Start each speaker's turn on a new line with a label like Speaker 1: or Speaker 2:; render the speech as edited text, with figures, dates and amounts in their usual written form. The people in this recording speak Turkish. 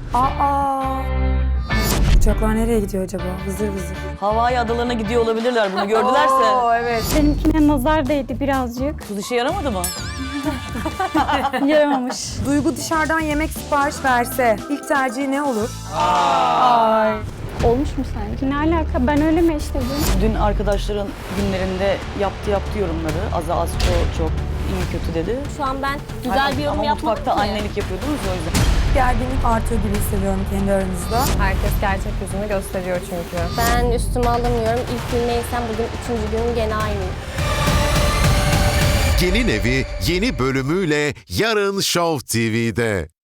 Speaker 1: Aa! Uçaklar nereye gidiyor acaba? Vızır vızır.
Speaker 2: Hawaii adalarına gidiyor olabilirler, bunu gördülerse.
Speaker 1: Oo, evet.
Speaker 3: Benimkine nazar değdi birazcık.
Speaker 2: Tuz işe yaramadı mı?
Speaker 3: Yaramamış.
Speaker 1: Duygu dışarıdan yemek sipariş verse ilk tercihi ne olur?
Speaker 3: Olmuş mu sence? Ne alaka? Ben öyle mi eşledim?
Speaker 2: Dün arkadaşların günlerinde yaptı yorumları. Az çok iyi kötü dedi.
Speaker 4: Şu an ben güzel bir yorum
Speaker 2: Ama
Speaker 4: yapmadım
Speaker 2: mutfakta
Speaker 4: ki.
Speaker 2: annelik yapıyordunuz o yüzden.
Speaker 1: Gerginlik artıyor gibi hissediyorum kendi aranızda.
Speaker 5: Herkes gerçek yüzünü gösteriyor çünkü.
Speaker 4: Ben üstüme alamıyorum. İlk gün neysem bugün 3. günüm gene aynıyım.
Speaker 6: Gelin Evi yeni bölümüyle yarın Show TV'de.